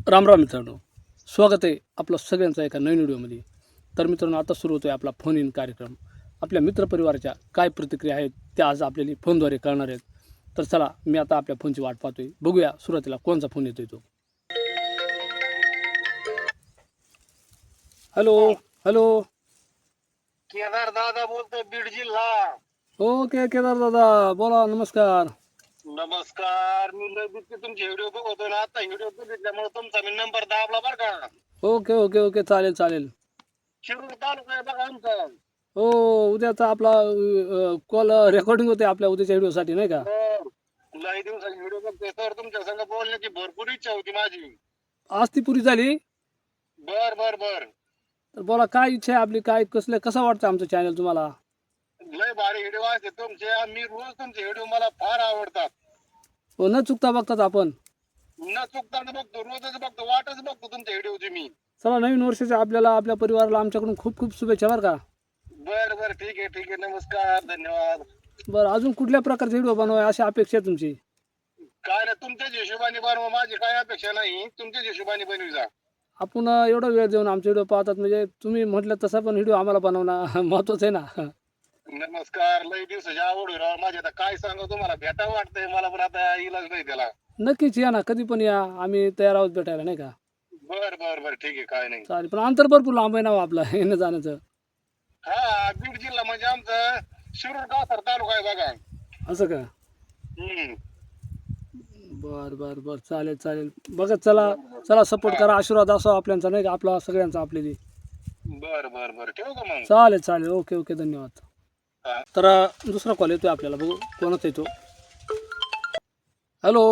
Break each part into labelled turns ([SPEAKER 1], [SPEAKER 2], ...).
[SPEAKER 1] राम राम मित्रांनो, स्वागत आहे आपलं सगळ्यांचं एका नवीन व्हिडिओमध्ये. तर मित्रांनो, आता सुरू होतो आहे आपला फोन इन कार्यक्रम. आपल्या मित्रपरिवाराच्या काय प्रतिक्रिया आहेत त्या आज आपल्याला फोनद्वारे कळणार आहेत. तर चला, मी आता आपल्या फोनची वाट पाहतोय. बघूया सुरुवातीला कोणचा फोन येतोय तो. हॅलो. हॅलो.
[SPEAKER 2] केदार दादा बोलतोय, बीड जिल्हा.
[SPEAKER 1] ओके केदार दादा, बोला. नमस्कार.
[SPEAKER 2] नमस्कार. मी लय दिवशी तुमचे व्हिडिओ बघतोय ना, आता व्हिडिओ बघितल्यामुळे तुमचा मी नंबर दाबला बरं का.
[SPEAKER 1] ओके ओके ओके, चालेल चालेल.
[SPEAKER 2] शिरूर तालुका आहे बघा आमचा.
[SPEAKER 1] हो, उद्याचा आपला कॉल रेकॉर्डिंग होते आपल्या उद्याच्या व्हिडिओसाठी, नाही का?
[SPEAKER 2] लय दिवसाची व्हिडिओ बघतोय सर, तुमच्या संग बोलण्याची भरपूर इच्छा होती माझी.
[SPEAKER 1] आज ती पुरी झाली.
[SPEAKER 2] बर बर बर.
[SPEAKER 1] तर बोला, काय इच्छा आहे आपली, काय कसं वाटतं आमचं चॅनल तुम्हाला?
[SPEAKER 2] लय भारी व्हिडिओ असते तुमचे. मी रोज तुमचे व्हिडिओ मला फार आवडतात.
[SPEAKER 1] हो, न चुकता बघतात आपण.
[SPEAKER 2] न चुकताना बघतो, रोजच बघतो, वाटच बघतो तुमच्या व्हिडिओची मी.
[SPEAKER 1] चला, नवीन वर्षाच्या आपल्याला आपल्या परिवाराला आमच्याकडून खूप खूप शुभेच्छा बरं का.
[SPEAKER 2] बर बर, ठीक आहे ठीक आहे. नमस्कार, धन्यवाद.
[SPEAKER 1] बरं, अजून कुठल्या प्रकारचे व्हिडिओ बनवाय अशी अपेक्षा आहे तुमची?
[SPEAKER 2] काय ना, तुमच्याच हिशोबाने बनवा, माझी काय अपेक्षा नाही. तुमच्याच हिशोबाने बनवी जा.
[SPEAKER 1] आपण एवढा वेळ देऊन आमचे व्हिडिओ पाहतात म्हणजे तुम्ही म्हटलं तसा पण व्हिडिओ आम्हाला बनवणं महत्वाचं आहे ना.
[SPEAKER 2] नमस्कार. लय दिवसाची आवड आहे राव माझी. आता काय सांगू तुम्हाला, भेटा वाटतंय मला, पण आता इलाज नाही त्याला.
[SPEAKER 1] नक्कीच या ना, कधी पण या, आम्ही तयार आहोत भेटायला, नाही का?
[SPEAKER 2] बर बर बर, ठीक आहे, काय नाही.
[SPEAKER 1] चालेल, पण अंतर भरपूर लांब आहे ना हो आपलं येणं जाण्याचं.
[SPEAKER 2] हा, बीड जिल्हा म्हणजे आमचं शिरूर कासार तालुका आहे बघा.
[SPEAKER 1] असं का?
[SPEAKER 2] हम्म.
[SPEAKER 1] बर बर बर, चालेल चालेल. बघा, चला चला, सपोर्ट करा, आशीर्वाद असो आपल्यांचा, नाही का? आपला सगळ्यांचा आपल्याला.
[SPEAKER 2] बर बर बर, ठेवू का मग?
[SPEAKER 1] चालेल चालेल, ओके ओके, धन्यवाद.
[SPEAKER 2] हा.
[SPEAKER 1] तर दुसरा कॉल येतोय आपल्याला, बघू कोणाचा येतो. हॅलो.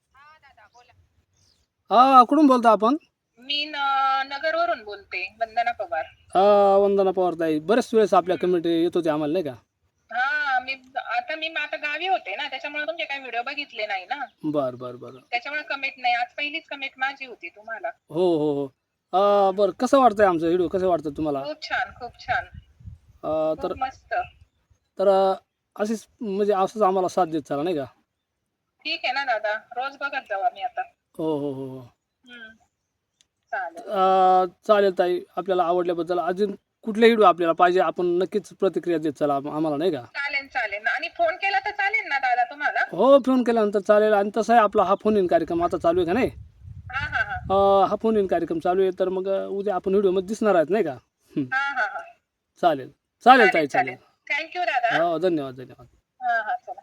[SPEAKER 1] हा, कुठून बोलता आपण?
[SPEAKER 3] मी नगरवरून बोलते, वंदना पवार.
[SPEAKER 1] वंदना पवार ताई, बरेच वेळेस आपल्या कमेंट येत होते आम्हाला, नाही का?
[SPEAKER 3] हा, मी आता गावी होते ना, त्याच्यामुळे तुमचे काही व्हिडिओ बघितले नाही ना,
[SPEAKER 1] बर बर बर.
[SPEAKER 3] त्याच्यामुळे कमेंट नाही. आज पहिलीच कमेंट माझी होती तुम्हाला.
[SPEAKER 1] हो हो हो. बरं, कसं वाटतंय आमचं व्हिडिओ, कसं वाटतं तुम्हाला?
[SPEAKER 3] खूप छान, खूप छान,
[SPEAKER 1] तर
[SPEAKER 3] खूप मस्त.
[SPEAKER 1] तर अशीच म्हणजे असंच आम्हाला साथ देत चला, नाही का?
[SPEAKER 3] ठीक आहे ना दादा, रोज बघत जाऊ आम्ही आता.
[SPEAKER 1] हो हो हो हो.
[SPEAKER 3] हम्म, चालेल.
[SPEAKER 1] चालेल ताई, आपल्याला आवडल्याबद्दल अजून कुठले व्हिडिओ आपल्याला पाहिजे आपण नक्कीच प्रतिक्रिया देत चला आम्हाला, नाही का?
[SPEAKER 3] चालेल चालेल. आणि फोन केला तर चालेल ना दादा तुम्हाला?
[SPEAKER 1] हो, फोन केल्यानंतर चालेल. आणि तसं आहे, आपला हा फोन इन कार्यक्रम आता चालू आहे का नाही?
[SPEAKER 3] हा हा हा
[SPEAKER 1] हा फोन इन कार्यक्रम चालू आहे, तर मग उद्या आपण व्हिडिओमध्ये दिसणार आहेत, नाही का?
[SPEAKER 3] हा हा हा.
[SPEAKER 1] चालेल चालेल ताई, चालेल.
[SPEAKER 3] थँक्यू दादा.
[SPEAKER 1] हो, धन्यवाद धन्यवाद.
[SPEAKER 3] हा हा, चला.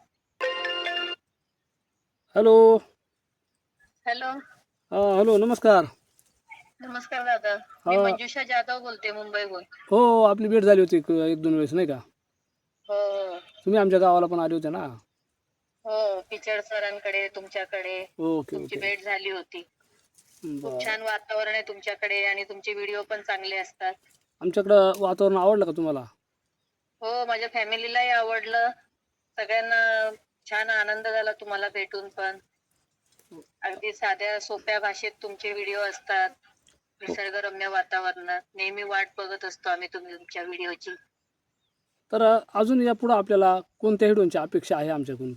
[SPEAKER 1] हॅलो.
[SPEAKER 3] हॅलो.
[SPEAKER 1] हॅलो, नमस्कार.
[SPEAKER 3] नमस्कार दादा, मी मंजुषा जाधव बोलते, मुंबईहून.
[SPEAKER 1] हो, आपली भेट झाली होती एक दोन वेळेस, नाही का?
[SPEAKER 3] हो
[SPEAKER 1] तुम्ही आमच्या गावाला पण आले होते ना.
[SPEAKER 3] हो, पिचड सरांकडे, तुमच्याकडे
[SPEAKER 1] ओके
[SPEAKER 3] तुमची
[SPEAKER 1] ओके.
[SPEAKER 3] भेट झाली होती. खूप
[SPEAKER 1] बरं,
[SPEAKER 3] छान वातावरण आहे तुमच्याकडे आणि तुमचे व्हिडिओ पण चांगले असतात.
[SPEAKER 1] आमच्याकडं वातावरण आवडलं का तुम्हाला?
[SPEAKER 3] हो, माझ्या फॅमिलीलाही आवडलं. सगळ्यांना छान आनंद झाला तुम्हाला भेटून पण. अगदी साध्या सोप्या भाषेत तुमचे व्हिडिओ असतात. निसर्गरम्य वातावरणात नेहमी वाट बघत असतो आम्ही तुमच्या व्हिडिओची.
[SPEAKER 1] तर अजून यापुढं आपल्याला कोणत्या व्हिडिओची अपेक्षा आहे आमच्याकडून?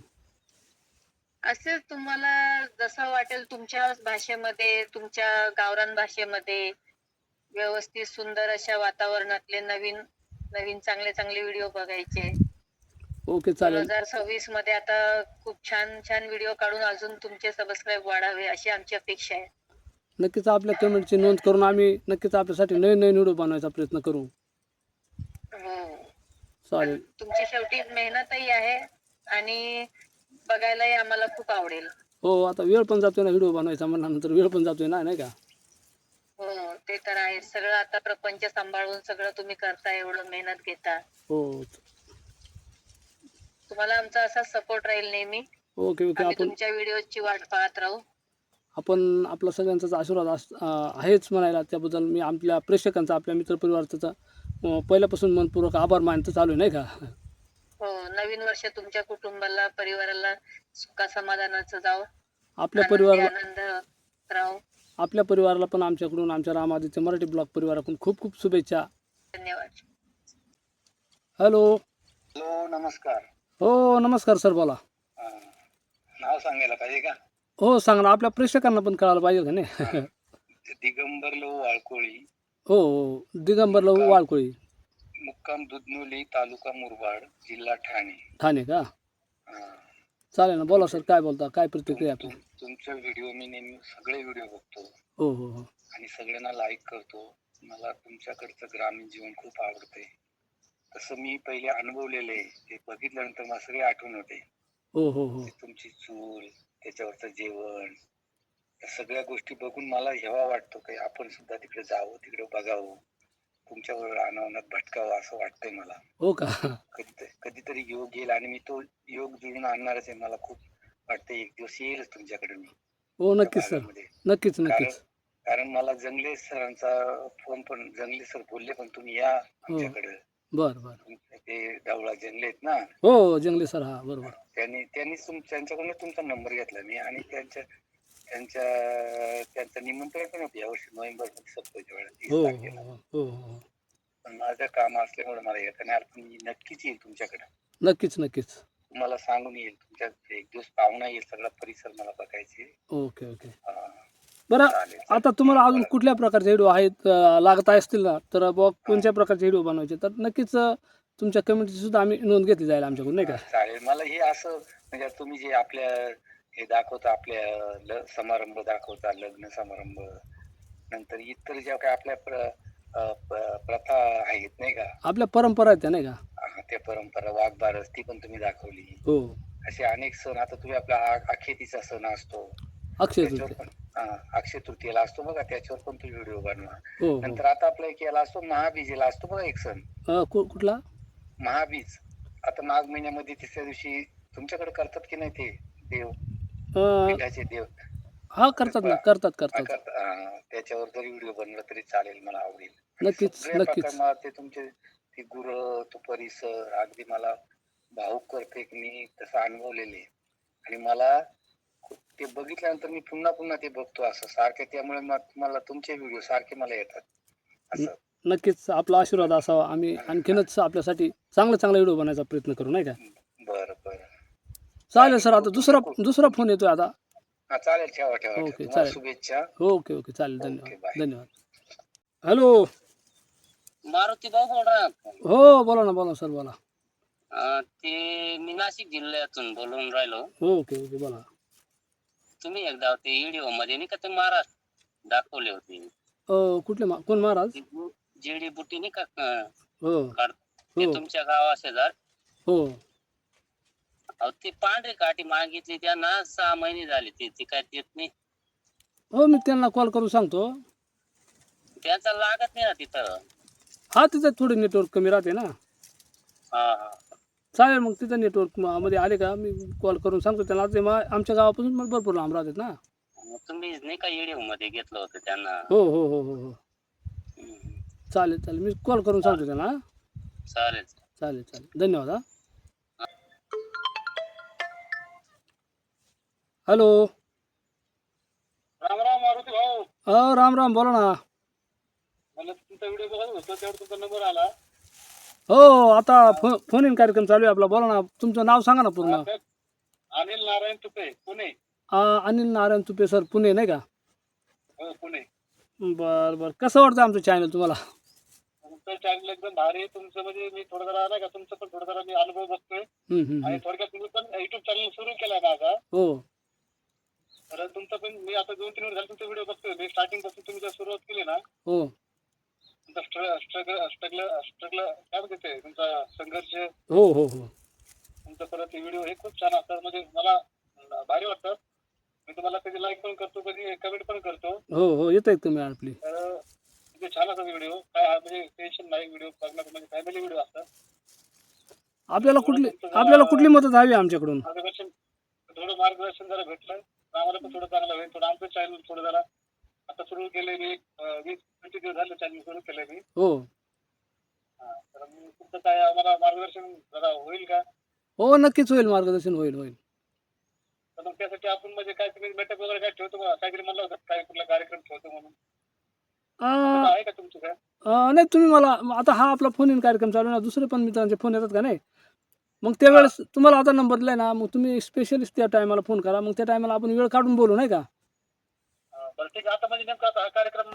[SPEAKER 3] असेच तुम्हाला जसं वाटेल तुमच्या भाषेमध्ये, तुमच्या गावरान भाषेमध्ये व्यवस्थित सुंदर अशा वातावरणातले नवीन नवीन चांगले चांगले व्हिडिओ बघायचे.
[SPEAKER 1] ओके, चालेल.
[SPEAKER 3] 2026 मध्ये आता खूप छान छान व्हिडिओ काढून अजून तुमचे सबस्क्राईब वाढावे अशी आमची अपेक्षा आहे.
[SPEAKER 1] नक्कीच आपल्या कमेंटची नोंद करून आम्ही नक्कीच आपल्यासाठी नवीन नवीन व्हिडिओ बनवायचा प्रयत्न करू.
[SPEAKER 3] हो,
[SPEAKER 1] चालेल.
[SPEAKER 3] तुमची शेवटी मेहनतही आहे आणि बघायलाही आम्हाला खूप आवडेल.
[SPEAKER 1] हो, आता वेळ पण जातोय ना व्हिडिओ बनवायचा म्हणल्यानंतर, वेळ पण जातोय ना, नाही का?
[SPEAKER 3] हो, ते तर आहे. सगळं आता प्रपंच सांभाळून सगळं तुम्ही करता, एवढं मेहनत घेता.
[SPEAKER 1] हो.
[SPEAKER 3] तुम्हाला आमचा असाच सपोर्ट राहील नेहमी.
[SPEAKER 1] Okay okay.
[SPEAKER 3] आम्ही तुमच्या व्हिडिओची वाट पाहत राहू.
[SPEAKER 1] आपण आपला सगळ्यांचाच आशीर्वाद आहेच म्हणायला, त्याबद्दल मी आपल्या प्रेक्षकांचा, आपल्या मित्रपरिवाराचा पहिल्यापासून मनपूर्वक आभार मानतो चालू आहे, नाही का?
[SPEAKER 3] हो, नवीन वर्ष तुमच्या कुटुंबाला, परिवाराला सुखा समाधानाचं जावं.
[SPEAKER 1] आपल्या
[SPEAKER 3] आनंदी
[SPEAKER 1] परिवाराला
[SPEAKER 3] आनंद राहू.
[SPEAKER 1] आपल्या परिवाराला पण आमच्याकडून, आमच्या रामादित्य मराठी ब्लॉग परिवाराकडून खूप खूप शुभेच्छा.
[SPEAKER 3] धन्यवाद.
[SPEAKER 1] हॅलो.
[SPEAKER 2] हॅलो, नमस्कार.
[SPEAKER 1] हो, नमस्कार सर, बोला.
[SPEAKER 2] नाव सांगायला पाहिजे का?
[SPEAKER 1] हो, सांगा ना, आपल्या प्रेक्षकांना पण कळायला पाहिजे का नाही?
[SPEAKER 2] दिगंबर लहू वाळकोळी,
[SPEAKER 1] हो हो दिगंबर लहू वाळकोळी,
[SPEAKER 2] मुक्काम दुधनोली, तालुका मुरबाड, जिल्हा ठाणे.
[SPEAKER 1] ठाणे का?
[SPEAKER 2] हा.
[SPEAKER 1] चालेल ना, बोला सर, काय बोलता, काय प्रतिक्रिया आपली?
[SPEAKER 2] तुमचे व्हिडिओ मी नेहमी सगळे व्हिडिओ बघतो
[SPEAKER 1] हो हो हो
[SPEAKER 2] आणि सगळ्यांना लाईक करतो. मला तुमच्याकडचं ग्रामीण जीवन खूप आवडते. तसं मी पहिले अनुभवलेले आहे. ते बघितल्यानंतर मला सगळी आठवण होते.
[SPEAKER 1] हो हो हो
[SPEAKER 2] ते तुमची चूल, त्याच्यावरचं जेवण, त्या सगळ्या गोष्टी बघून मला हेवा वाटतो की आपण सुद्धा तिकडे जावं, तिकडे बघावं, तुमच्याबरोबर अनावनात भटकावं असं वाटतंय मला.
[SPEAKER 1] हो का?
[SPEAKER 2] कधीतरी योग येईल आणि मी तो योग जुळून आणणारच आहे. मला खूप वाटतंय एक दिवस येईलच तुमच्याकडे मी
[SPEAKER 1] हो
[SPEAKER 2] त्या
[SPEAKER 1] नक्कीच सर,
[SPEAKER 2] भागामध्ये.
[SPEAKER 1] नक्कीच
[SPEAKER 2] कारण
[SPEAKER 1] नक्कीच.
[SPEAKER 2] कारण मला जंगले सरांचा फोन पण, जंगले सर बोलले पण तुम्ही या
[SPEAKER 1] हो
[SPEAKER 2] आमच्याकडे.
[SPEAKER 1] बरं बरं.
[SPEAKER 2] ते डावळा जंगले आहेत ना,
[SPEAKER 1] हो जंगले सर, हा बरोबर.
[SPEAKER 2] त्यांनीच त्यांच्याकडून तुमचा नंबर घेतला मी आणि त्यांच्या त्यांचं निमंत्रण पण होतं यावर्षी नोव्हेंबर मध्ये सप्ताहच्या वेळेला 30
[SPEAKER 1] हो
[SPEAKER 2] तारखेला.
[SPEAKER 1] हो हो हो
[SPEAKER 2] पण माझं काम असल्यामुळे मला येत नाही आलं, पण मी नक्कीच येईल तुमच्याकडे.
[SPEAKER 1] नक्कीच नक्कीच.
[SPEAKER 2] तुम्हाला सांगून येईल. तुमच्या एक दिवस पाहुणा येईल, सगळा परिसर मला बघायचे.
[SPEAKER 1] Okay okay.
[SPEAKER 2] हा,
[SPEAKER 1] बरं,
[SPEAKER 2] चालेल
[SPEAKER 1] आता तुम्हाला अजून
[SPEAKER 2] बोला.
[SPEAKER 1] कुठल्या प्रकारचे व्हिडिओ आहेत लागत असतील ना, तर बुवा कोणत्या प्रकारचे व्हिडिओ बनवायचे, तर नक्कीच तुमच्या कमेंटची सुद्धा आम्ही नोंद घेतली जाईल आमच्याकडून, नाही का?
[SPEAKER 2] चालेल. मला हे असं म्हणजे तुम्ही जे आपल्या हे दाखवता, आपल्या समारंभ दाखवता, लग्न समारंभ, नंतर इतर ज्या काही आपल्या प्रथा आहेत नाही का,
[SPEAKER 1] आपल्या परंपरा आहेत त्या, नाही का?
[SPEAKER 2] त्या परंपरा, वाघबारस ती पण तुम्ही दाखवली.
[SPEAKER 1] हो.
[SPEAKER 2] असे अनेक सण, आता तुम्ही आपला अखेतीचा सण असतो
[SPEAKER 1] अक्षय
[SPEAKER 2] त्याच्यावर
[SPEAKER 1] तृतीया.
[SPEAKER 2] पण, अक्षय तृतीयेला असतो बघा, त्याच्यावर पण तुम्ही व्हिडिओ बनवा.
[SPEAKER 1] हो हो.
[SPEAKER 2] नंतर आता आपला एक याला असतो, महाबीजेला असतो बघा एक सण,
[SPEAKER 1] कुठला?
[SPEAKER 2] महाबीज. आता माघ महिन्यामध्ये तिसऱ्या दिवशी तुमच्याकडे करतात की नाही ते देव,
[SPEAKER 1] अं,
[SPEAKER 2] पिठाचे देव?
[SPEAKER 1] हा करतात ना, करतात करतात.
[SPEAKER 2] त्याच्यावर जरी व्हिडिओ बनला तरी चालेल, मला आवडेल. आणि
[SPEAKER 1] नक्कीच
[SPEAKER 2] सगळ्या
[SPEAKER 1] नक्कीच.
[SPEAKER 2] प्रकार मला ते तुमचे ते गुरं, तो परिसर अगदी मला भावुक करते की मी तसं अनुभवलेले. आणि मला ते बघितल्यानंतर मी पुन्हा पुन्हा ते बघतो असं सारखे, त्यामुळे मला तुमचे व्हिडिओ सारखे मला येतात असं.
[SPEAKER 1] नक्कीच आपला आशीर्वाद असावा, आम्ही आणखीनच आपल्यासाठी चांगला व्हिडिओ बनवायचा प्रयत्न करू, नाही का?
[SPEAKER 2] बरं बरं,
[SPEAKER 1] चालेल सर, आता दुसरा फोन येतोय आता.
[SPEAKER 2] हा चालेल, ठेवा ठेवा.
[SPEAKER 1] ओके
[SPEAKER 2] तुम्हाला
[SPEAKER 1] चालेल.
[SPEAKER 2] शुभेच्छा.
[SPEAKER 1] ओके ओके चालेल,
[SPEAKER 2] ओके,
[SPEAKER 1] धन्यवाद
[SPEAKER 2] बाय.
[SPEAKER 1] धन्यवाद. हॅलो.
[SPEAKER 4] मारुती भाऊ बोल रहा है.
[SPEAKER 1] हो बोला ना सर, बोला.
[SPEAKER 4] ते मी नाशिक जिल्ह्यातून बोलून राहिलो.
[SPEAKER 1] ओके ओके बोला.
[SPEAKER 4] तुम्ही एकदा ते व्हिडिओ मध्ये नाही का ते महाराज दाखवले होते,
[SPEAKER 1] कुठले कोण महाराज?
[SPEAKER 4] जेडी बुटी नाही का
[SPEAKER 1] हो
[SPEAKER 4] ते
[SPEAKER 1] हो
[SPEAKER 4] तुमच्या गावा शेजार.
[SPEAKER 1] हो.
[SPEAKER 4] अहो ते पांढरी काठी मागितली त्यांना 6 महिने झाले, ते काय देत नाही.
[SPEAKER 1] हो मी त्यांना कॉल करून सांगतो.
[SPEAKER 4] त्यांचा लागत नाही ना तिथं.
[SPEAKER 1] हा तिथं थोडी नेटवर्क कमी राहते ना.
[SPEAKER 4] हा हा.
[SPEAKER 1] चालेल, मग तिथं नेटवर्क मध्ये आले का मी कॉल करून सांगतो त्यांना. ते आमच्या गावापासून मग भरपूर लांब राहतात ना.
[SPEAKER 4] मग तुम्ही नाही का व्हिडिओ मध्ये घेतलं होतं त्यांना.
[SPEAKER 1] हो हो हो हो हो.
[SPEAKER 4] हम्म.
[SPEAKER 1] चालेल मी कॉल करून सांगतो त्यांना.
[SPEAKER 4] चालेल.
[SPEAKER 1] चालेल धन्यवाद. हा हॅलो.
[SPEAKER 2] राम राम मारुती भाऊ.
[SPEAKER 1] राम बोला ना.
[SPEAKER 2] मला तुमचा व्हिडिओ बघत होतो, त्यावर तुमचा नंबर आला.
[SPEAKER 1] हो आता फोन इन कार्यक्रम चालू आहे आपला, बोला ना. तुमचं नाव सांगा ना पूर्ण.
[SPEAKER 2] अनिल नारायण तुपे, पुणे.
[SPEAKER 1] अनिल नारायण तुपे सर, पुणे, नाही का?
[SPEAKER 2] हो, पुणे.
[SPEAKER 1] बरं कसं वाटतं आमचं चॅनल तुम्हाला?
[SPEAKER 2] तुमचं चॅनल एकदम भारी आहे. तुमचं म्हणजे मी थोडं जरा नाही का, तुमचं पण थोडं जरा मी अनुभव बघतोय. आणि थोडक्यात तुम्ही पण युट्यूब चॅनल सुरू केलाय माझा.
[SPEAKER 1] हो.
[SPEAKER 2] तर तुमचं पण मी आता 2-3 वर्ष झाले तुमचे व्हिडिओ बघतोय. मी स्टार्टिंग पासून तुम्ही जर सुरुवात केली ना,
[SPEAKER 1] हो
[SPEAKER 2] तुमचा स्ट्रगल काय म्हणते ते, तुमचा संघर्ष,
[SPEAKER 1] हो हो हो.
[SPEAKER 2] तुमचं परत व्हिडिओ हे खूप छान असतात. म्हणजे मला भारी वाटतं. मी तुम्हाला कधी लाईक पण करतो, कधी कमेंट पण करतो.
[SPEAKER 1] हो येत आहे तुम्ही आपली.
[SPEAKER 2] तर म्हणजे छान असतात व्हिडिओ. काय म्हणजे टेन्शन नाही, व्हिडिओ बघण्याचं म्हणजे फॅमिली व्हिडिओ असतात.
[SPEAKER 1] आपल्याला कुठली मदत हवी आमच्याकडून?
[SPEAKER 2] मार्गदर्शन जरा भेटलं आम्हाला पण थोडं चांगलं होईल. थोडं आमचं चॅनल थोडं जरा आता सुरू केलंय मी, 20-25 दिवस झाले चॅनल सुरू केलंय मी.
[SPEAKER 1] हो
[SPEAKER 2] तर तुमचं काय आम्हाला मार्गदर्शन जरा होईल का?
[SPEAKER 1] हो नक्कीच होईल, मार्गदर्शन होईल.
[SPEAKER 2] तर मग त्यासाठी आपण म्हणजे काय तुम्ही मेटअप वगैरे काय ठेवतो का? काहीतरी म्हणलं होतं काय, कुठला कार्यक्रम ठेवतो म्हणून, आहे का तुमचं काय?
[SPEAKER 1] नाही तुम्ही मला आता हा आपला फोन इन कार्यक्रम चालू आहे ना, दुसरे पण मित्रांचे फोन येतात का नाही, मग त्यावेळेस तुम्हाला आता नंबर दिलाय ना, मग तुम्ही स्पेशलिस्ट त्या टायमाला फोन करा. मग त्या टायमाला आपण वेळ काढून बोलू, नाही का?
[SPEAKER 2] बरं ठीक आहे. आता म्हणजे नेमका आता हा कार्यक्रम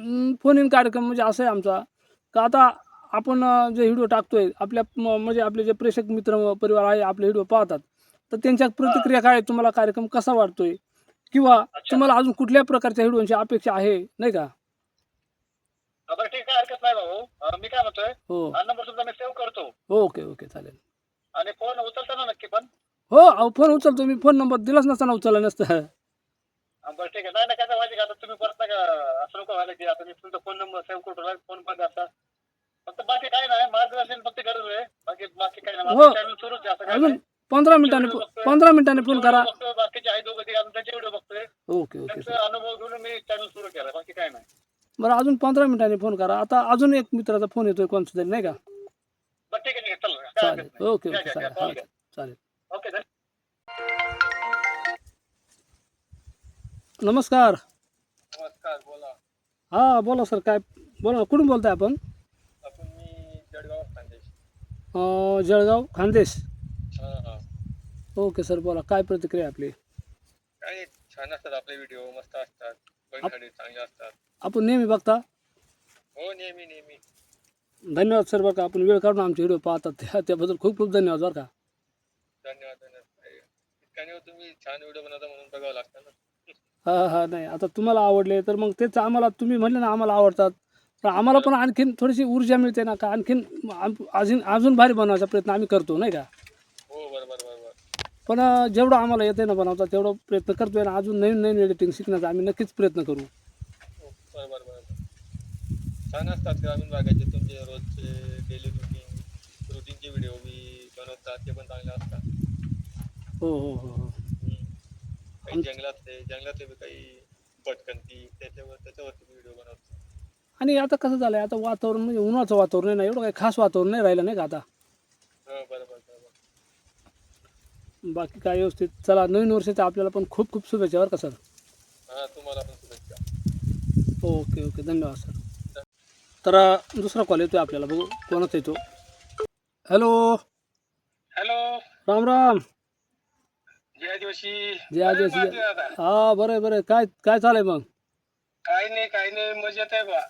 [SPEAKER 1] फोन इन कार्यक्रम म्हणजे असं आहे आमचा का आता आपण जे व्हिडिओ टाकतोय आपल्या म्हणजे आपले जे प्रेक्षक मित्र परिवार आहे आपले व्हिडिओ पाहतात तर त्यांच्या प्रतिक्रिया काय आहेत, तुम्हाला कार्यक्रम कसा वाटतोय किंवा तुम्हाला अजून कुठल्या प्रकारच्या व्हिडिओची अपेक्षा आहे नाही का?
[SPEAKER 2] बरं ठीक आहे, हरकत नाही भाऊ. मी काय म्हणतोय,
[SPEAKER 1] हो
[SPEAKER 2] हा नंबर सुद्धा मी सेव्ह करतो
[SPEAKER 1] ओके ओके चालेल.
[SPEAKER 2] आणि फोन उचलता ना नक्की पण.
[SPEAKER 1] हो अहो फोन उचलतो मी, फोन नंबर दिलाच नसताना उचलला नसतं.
[SPEAKER 2] बरं ठीक आहे. नाही नाही, काय माहिती का, आता तुम्ही परत नाही का असं नको व्हायला की आता मी तुमचा फोन नंबर सेव्ह करतो, फोन बंद असा. फक्त बाकी काय नाही, मार्गदर्शन फक्त गरज आहे. बाकी बाकी काय नाही,
[SPEAKER 1] हो.
[SPEAKER 2] आपलं चॅनल सुरूच आहे, असं काय
[SPEAKER 1] अजून
[SPEAKER 2] नाही.
[SPEAKER 1] 15 मिनिटांनी फोन करा.
[SPEAKER 2] बाकीचे आहे दोघं ते त्यांचे व्हिडिओ बघतोय,
[SPEAKER 1] ओके ओके
[SPEAKER 2] त्यांचा अनुभव घेऊन मी चॅनल सुरू केला, बाकी काय नाही.
[SPEAKER 1] बरं अजून 15 मिनिटांनी फोन करा. आता अजून एक मित्राचा फोन येतोय कोणता तरी नाही का?
[SPEAKER 2] बरं ठीक आहे, चला काय
[SPEAKER 1] चालेल
[SPEAKER 2] हरकत नाही.
[SPEAKER 1] ओके
[SPEAKER 2] घ्या,
[SPEAKER 1] ओके
[SPEAKER 2] घ्या, घ्या,
[SPEAKER 1] चालेल
[SPEAKER 2] call
[SPEAKER 1] हा
[SPEAKER 2] घ्या.
[SPEAKER 1] चालेल.
[SPEAKER 2] ओके धन्यवाद.
[SPEAKER 1] नमस्कार.
[SPEAKER 2] नमस्कार, बोला.
[SPEAKER 1] हां बोला सर, काय बोला ना, कुठून बोलताय आपण?
[SPEAKER 2] आपण मी जळगाव खानदेश.
[SPEAKER 1] जळगाव खानदेश.
[SPEAKER 2] हा.
[SPEAKER 1] ओके सर बोला, काय प्रतिक्रिया आपली?
[SPEAKER 2] काय छान असतात आपले व्हिडिओ, मस्त असतात, बघण्यासाठी चांगले असतात.
[SPEAKER 1] आपण नेहमी बघता.
[SPEAKER 2] हो, नेहमी.
[SPEAKER 1] धन्यवाद सर बरं का, आपण वेळ काढून आमचे व्हिडिओ पाहतात त्याबद्दल खूप खूप धन्यवाद बरं का.
[SPEAKER 2] धन्यवाद. इतका नाही, तुम्ही छान व्हिडिओ बनवता म्हणून बघावं लागतं ना.
[SPEAKER 1] हां नाही आता तुम्हाला आवडले तर मग तेच आम्हाला, तुम्ही म्हणले ना आम्हाला आवडतात तर आम्हाला पण आणखीन थोडीशी ऊर्जा मिळते ना का, आणखीन अजून भारी बनवायचा प्रयत्न आम्ही करतो नाही का.
[SPEAKER 2] हो, बरोबर.
[SPEAKER 1] पण जेवढं आम्हाला येते ना बनवता तेवढं प्रयत्न करतोय ना, अजून नवीन एडिटिंग शिकण्याचा आम्ही नक्कीच प्रयत्न करू.
[SPEAKER 2] हो, बरोबर. छान असतात ग्रामीण भागाचे तुमचे रोजचे डेली रुटीनचे व्हिडिओ बी बनवतात, ते पण चांगले असतात.
[SPEAKER 1] हो.
[SPEAKER 2] काही जंगलातले बी काही भटकंती त्याच्यावरती व्हिडिओ बनवतात.
[SPEAKER 1] आणि आता कसं झालंय, आता वातावरण म्हणजे उन्हाचं वातावरण आहे ना, एवढं काही खास वातावरण नाही राहिलं नाही का आता.
[SPEAKER 2] हो, बरोबर.
[SPEAKER 1] बाकी काय व्यवस्थित. चला नवीन वर्षाच्या आपल्याला पण खूप खूप शुभेच्छा बरं का सर.
[SPEAKER 2] हा, तुम्हाला पण शुभेच्छा.
[SPEAKER 1] ओके धन्यवाद सर. तर दुसरा कॉल येतोय आपल्याला, बघू कोणाचा येतो. हॅलो राम राम.
[SPEAKER 2] जय आदिवासी.
[SPEAKER 1] जय आदिवासी. हा बरं आहे. काय चालू आहे मग?
[SPEAKER 2] काही नाही, मजेत आहे बा.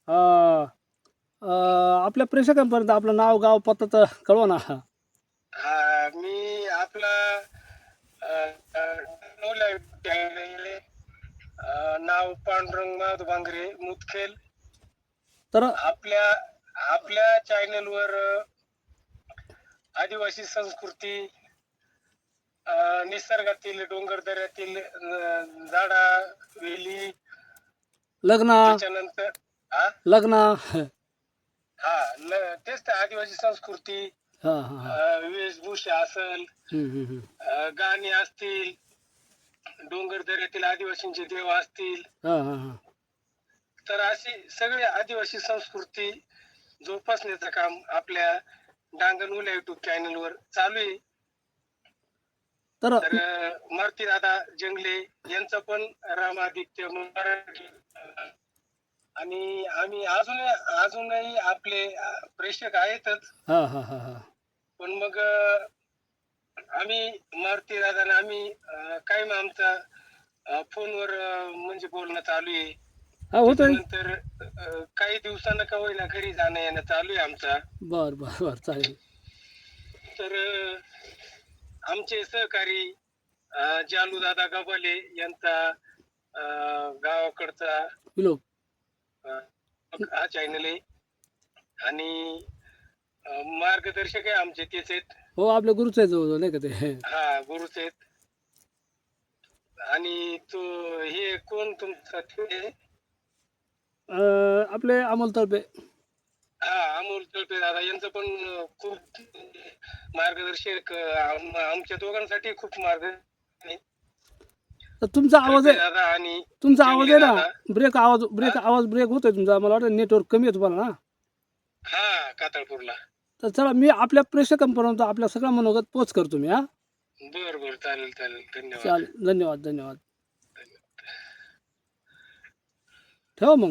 [SPEAKER 1] आपल्या प्रेक्षकांपर्यंत आपलं नाव गाव पत्ता तर कळवा ना.
[SPEAKER 2] हा, मी आपला नाव पांडुरंग माधव भांगरे मुदखेल.
[SPEAKER 1] तर
[SPEAKER 2] आपल्या चॅनलवर आदिवासी संस्कृती, निसर्गातील डोंगर दऱ्यातील झाडा वेली,
[SPEAKER 1] लग्न
[SPEAKER 2] त्याच्यानंतर
[SPEAKER 1] लग्न
[SPEAKER 2] तेच तर आदिवासी संस्कृती,
[SPEAKER 1] हां
[SPEAKER 2] वेशभूषा असेल, गाणी असतील, डोंगर दऱ्यातील आदिवासींचे देव असतील, तर अशी सगळी आदिवासी संस्कृती जोपासण्याचं काम आपल्या डांगणुल्या युट्यूब चॅनलवर चालू आहे.
[SPEAKER 1] तर
[SPEAKER 2] मारुती दादा जंगले यांचं पण रामादित्य मराठी, आणि आम्ही अजूनही आपले प्रेक्षक आहेतच. पण मग आम्ही मारुती दादा आम्ही कायम आमचा फोनवर म्हणजे बोलणं चालू आहे. नंतर काही दिवसांना का होईना घरी जाणं येणं चालू आहे आमचा.
[SPEAKER 1] बर चालेल.
[SPEAKER 2] तर आमचे सहकारी जालू दादा गबाले यांचा गावाकडचा
[SPEAKER 1] विलोक
[SPEAKER 2] हा चॅनल आहे, आणि मार्गदर्शक आहे आमचे तेच आहेत.
[SPEAKER 1] हो आपल्या गुरुच आहे जवळ नाही का ते.
[SPEAKER 2] हा, गुरुच आहेत. आणि तो हे कोण तुमचा
[SPEAKER 1] आपले अमोल तळपे.
[SPEAKER 2] अमोल तळपे दादा यांचं पण खूप मार्गदर्शक आमच्या दोघांसाठी खूप मार्गदर्शन.
[SPEAKER 1] तर तुमचा आवाज आहे,
[SPEAKER 2] दादा आणि
[SPEAKER 1] तुमचा आवाज आहे ना ब्रेक आवाज ब्रेक होतोय तुमचा. मला वाटतं नेटवर्क कमी आहे तुम्हाला ना.
[SPEAKER 2] हा, कातळपूरला.
[SPEAKER 1] तर चला मी आपल्या प्रेक्षकांपर्यंत आपल्या सगळ्या मनोगत पोच करतो मी.
[SPEAKER 2] बर चालेल. धन्यवाद.
[SPEAKER 1] चालेल धन्यवाद. ठेवा मग.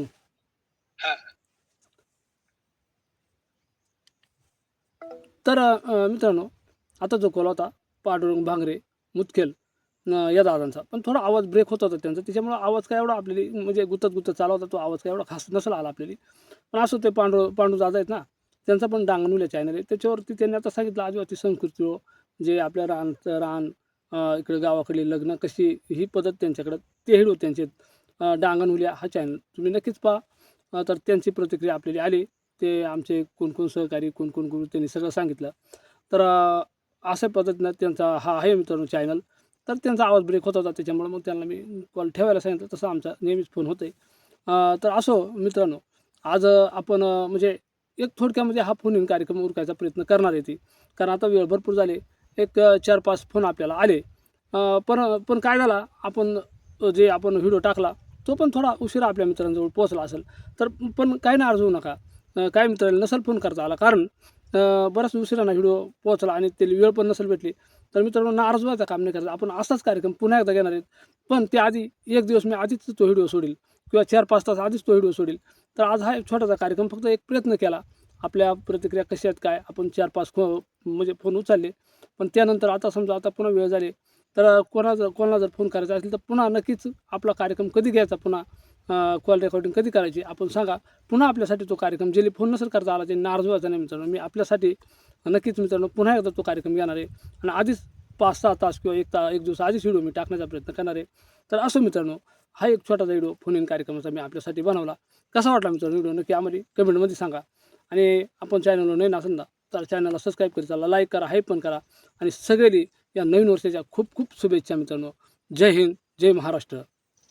[SPEAKER 1] तर मित्रांनो, आता जो कॉल होता पांडुरंग भांगरे मुदखेल या दादांचा, पण थोडा आवाज ब्रेक होत होता त्यांचा, त्याच्यामुळं आवाज काय एवढा आपल्याला म्हणजे गुतत चालला होता, तो आवाज काय एवढा खास नसला आला आपल्याला. पण असं ते पांडू दादा आहेत ना, त्यांचा पण डांगनुल्या चॅनल आहे, त्याच्यावरती त्यांनी आता सांगितलं आदिवासी संस्कृती जे आपल्या रान इकडे गावाकडे लग्न कशी ही पद्धत त्यांच्याकडं, ते व्हिडिओ त्यांचे डांगनुल्या हा चॅनल तुम्ही नक्कीच पहा. तर त्यांची प्रतिक्रिया आपल्याला आली, ते आमचे कोण सहकारी कोण गुरु त्यांनी सगळं सांगितलं. तर अशा पद्धतीनं त्यांचा हा आहे मित्रांनो चॅनल. तर त्यांचा आवाज ब्रेक होत होता, त्याच्यामुळे मग त्यांना मी कॉल ठेवायला सांगितलं, तसं आमचा नेहमीच फोन होतोय. तर असो मित्रांनो, आज आपण म्हणजे एक थोडक्यामध्ये हा फोन इन कार्यक्रम उरकायचा प्रयत्न करणार आहे ती, कारण आता वेळ भरपूर झाले, एक 4-5 फोन आपल्याला आले. पण काय झाला, आपण जे आपण व्हिडिओ टाकला तो पण थोडा उशिरा आपल्या मित्रांजवळ पोहोचला असेल, तर पण काही नाराज होऊ नका. काही मित्रांना नसेल फोन करता आला, कारण बराच उशिरानं व्हिडिओ पोहोचला आणि त्याला वेळ पण नसेल भेटली, तर मित्रांनो नाराज व्हायचं काम नाही करायचं. आपण असाच कार्यक्रम पुन्हा एकदा घेणार आहेत, पण त्याआधी एक दिवस मी आधीच तो व्हिडिओ सोडील किंवा 4-5 तास आधीच तो व्हिडिओ सोडील. तर आज हा एक छोटासा कार्यक्रम, फक्त एक प्रयत्न केला. आपल्या प्रतिक्रिया कशा आहेत काय, आपण 4-5 म्हणजे फोन उचलले, पण त्यानंतर आता समजा आता पुन्हा वेळ झाली, तर कोणाला जर फोन करायचा असेल तर पुन्हा नक्कीच आपला कार्यक्रम कधी घ्यायचा, पुन्हा कॉल रेकॉर्डिंग कधी करायची आपण सांगा. पुन्हा आपल्यासाठी तो कार्यक्रम ज्याला फोन नसेल करता आला, ते नाराज व्हायचा नाही मित्रांनो. मी आपल्यासाठी नक्कीच मित्रांनो पुन्हा एकदा तो कार्यक्रम घेणार आहे, आणि आधीच 5-6 तास किंवा एक दिवस आधीच व्हिडिओ मी टाकण्याचा प्रयत्न करणार आहे. तर असं मित्रांनो, हा एक छोटासा व्हिडिओ फोन इन कार्यक्रमाचा मी आपल्यासाठी बनवला. कसा वाटला मित्रांनो व्हिडिओ, नक्की आम्हाला कमेंटमध्ये सांगा. आणि आपण चॅनलवर नवीन असेल ना, तर चॅनलला सबस्क्राईब करा, चला लाईक करा, हाईप पण करा. आणि सगळ्यांनी या नवीन वर्षाच्या खूप खूप शुभेच्छा मित्रांनो. जय हिंद, जय महाराष्ट्र.